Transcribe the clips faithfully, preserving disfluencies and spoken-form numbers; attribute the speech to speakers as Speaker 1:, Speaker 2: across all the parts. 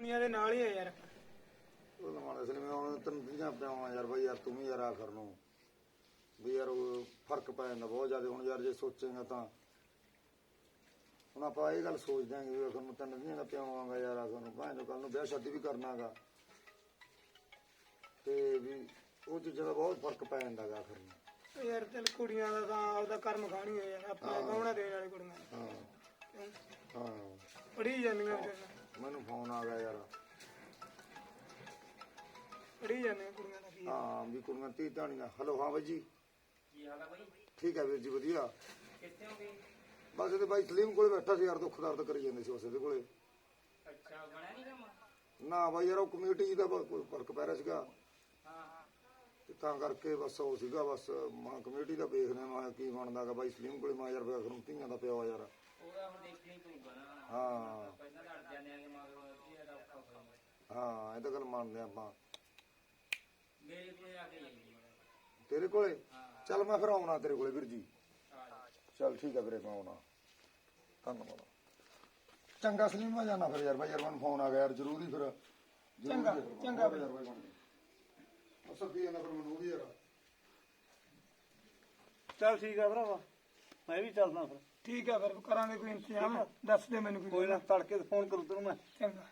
Speaker 1: ਦੁਨੀਆ ਦੇ ਨਾਲ ਹੀ ਆ ਯਾਰ।
Speaker 2: ਉਹ ਲਵਾਉਣਾ ਸੀ ਮੈਂ ਹੁਣ ਤੈਨੂੰ ਤੀਆਂ ਪਿਆਵਾਂ ਯਾਰ ਬਾਈ ਯਾਰ ਤੂੰ ਵੀ ਯਾਰ ਆਖਰ ਨੂੰ ਵੀ ਯਾਰ ਉਹ ਫਰਕ ਪੈ ਜਾਂਦਾ ਬਹੁਤ ਜ਼ਿਆਦਾ। ਹੁਣ ਯਾਰ ਜੇ ਸੋਚੇਗਾ ਤਾਂ ਹੁਣ ਆਪਾਂ ਇਹ ਗੱਲ ਸੋਚ ਦਿਆਂਗੇ ਵੀ ਆਖਰ ਨੂੰ ਤੈਨੂੰ ਤੀਆਂ ਦਾ ਪਿਆਵਾਂਗਾ ਯਾਰ ਆਖਰ ਨੂੰ ਭਾਵੇਂ ਜੋ ਕੱਲ ਨੂੰ ਵਿਆਹ ਸ਼ਾਦੀ ਵੀ ਕਰਨਾਗਾ ਤੇ ਵੀ ਉਹ ਚੀਜ਼ਾਂ ਦਾ ਬਹੁਤ ਫਰਕ ਪੈ ਜਾਂਦਾ ਗਾ ਆਖਰ ਨੂੰ।
Speaker 1: ਯਾਰ ਚੱਲ ਕੁੜੀਆਂ ਦਾ ਤਾਂ ਆਪਦਾ ਕਰਮ ਖਾਣੀ ਹੈ ਯਾਰ, ਆਪਣਾ ਗਾਉਣਾ ਦੇਣ ਵਾਲੇ ਕੁੜੀਆਂ
Speaker 2: ਹਾਂ ਹਾਂ
Speaker 1: ਪੜੀ ਜਾਂਦੀਆਂ ਵਿਚਾਰੀਆਂ,
Speaker 2: ਮੈਨੂੰ ਫੋਨ ਆ ਗਿਆ ਯਾਰ।
Speaker 1: ਪੜੀ ਜਾਂਦੀਆਂ ਕੁੜੀਆਂ ਦਾ ਕੀ।
Speaker 2: ਹਾਂ ਵੀ ਕੁੜੀਆਂ ਤੀ ਧਾਣੀਆਂ। ਹੈਲੋ ਹਾਂ ਬਾਈ ਜੀ,
Speaker 3: ਕੀ ਹਾਲ ਆ ਬਾਈ?
Speaker 2: ਠੀਕ ਹੈ ਵੀਰ ਜੀ ਵਧੀਆ।
Speaker 3: ਕਿੱਥੇ ਹੋ ਗਏ?
Speaker 2: ਬਸ ਇਹਦੇ ਬਾਈ ਸਲੀਮ ਕੋਲੇ ਬੈਠਾ ਸੀ ਯਾਰ, ਦੁੱਖ ਦਰਦ ਕਰੀ ਜਾਂਦੇ ਸੀ ਉਸ ਦੇ ਕੋਲੇ।
Speaker 3: ਅੱਛਾ, ਬਣਿਆ ਨਹੀਂ ਕੰਮ?
Speaker 2: ਨਾ ਬਾਈ ਯਾਰ ਉਹ ਕਮੇਟੀ ਦਾ ਬ- ਕੋਈ ਫਰਕ ਪੈ ਰਿਹਾ ਸੀਗਾ
Speaker 3: ਹਾਂ ਹਾਂ।
Speaker 2: ਤੇ ਤਾਂ ਕਰਕੇ ਬਸ ਉਹ ਸੀਗਾ ਬਸ ਮਾਂ ਕਮੇਟੀ ਦਾ ਵੇਖਦੇ ਮੈਂ ਕੀ ਬਣਦਾਗਾ ਬਾਈ ਸਲੀਮ ਕੋਲੇ। ਮੈਂ ਯਾਰ ਵੇਖ ਨੂੰ ਧੀਆਂ ਦਾ ਪਿਓ ਯਾਰ।
Speaker 3: ਉਹਦਾ ਹੁਣ ਦੇਖਣੀ ਪਊਗਾ ਨਾ।
Speaker 2: ਹਾਂ
Speaker 3: ਪਹਿਲਾਂ ਤਾਂ ਅੜ ਜਾਂਦੇ ਆਂਗੇ ਮਗਰ ਕੀ ਇਹਦਾ ਔਖਾ ਹੋ ਜਾਂਦਾ।
Speaker 2: ਹਾਂ ਇਹ ਤਾਂ ਗੱਲ ਮੰਨਦੇ ਆਪਾਂ।
Speaker 3: ਮੇਰੇ ਕੋਲੇ ਆ ਕੇ ਜਾਈਏ।
Speaker 2: ਤੇਰੇ ਕੋਲੇ ਚੱਲ ਮੈਂ ਫਿਰ ਆਉਣਾ ਤੇਰੇ ਕੋਲੇ ਵੀਰ ਜੀ।
Speaker 3: ਆ ਜਾ।
Speaker 2: ਚੱਲ ਠੀਕ ਹੈ ਵੀਰੇ ਮੈਂ ਆਉਣਾ। ਧੰਨਵਾਦ। ਚੰਗਾ ਸਲੀਮ ਮੈਂ ਜਾਣਾ ਫਿਰ ਯਾਰ ਬਾਈ ਯਾਰ ਮੈਨੂੰ ਫੋਨ ਆ ਗਿਆ ਯਾਰ ਜ਼ਰੂਰੀ ਫਿਰ।
Speaker 1: ਚੰਗਾ ਚੰਗਾ
Speaker 2: ਯਾਰ ਬਾਈ ਬਣ ਗਿਆ ਅਸਲ ਕੀ ਜਾਂਦਾ ਫਿਰ ਮੈਨੂੰ ਵੀ ਯਾਰ।
Speaker 4: ਚੱਲ ਠੀਕ ਆ ਭਰਾਵਾ, ਮੈਂ ਵੀ ਚੱਲਦਾ ਫਿਰ।
Speaker 1: ਠੀਕ ਹੈ ਫਿਰ ਕਰਾਂਗੇ ਕੋਈ ਇੰਤਜ਼ਾਮ, ਦੱਸ ਦੇ ਮੈਨੂੰ
Speaker 4: ਕੋਈ ਨਾ ਤੜਕੇ ਫੋਨ ਕਰੂ ਤੈਨੂੰ ਮੈਂ।
Speaker 1: ਚੰਗਾ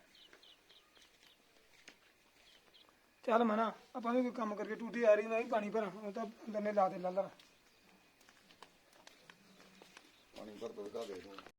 Speaker 1: ਚੱਲ ਮਨਾ ਆਪਾਂ ਵੀ ਕੋਈ ਕੰਮ ਕਰਕੇ ਟੂਟੀ ਆ ਰਹੀ, ਮੈਂ ਵੀ ਪਾਣੀ ਭਰਾਂ। ਉਹ ਤਾਂ ਦੰਨੇ ਲਾ ਦੇ ਲਾ ਲਾ।
Speaker 2: ਪਾਣੀ ਭਰ ਦੋ ਕਾ ਦੇ ਦੂੰ।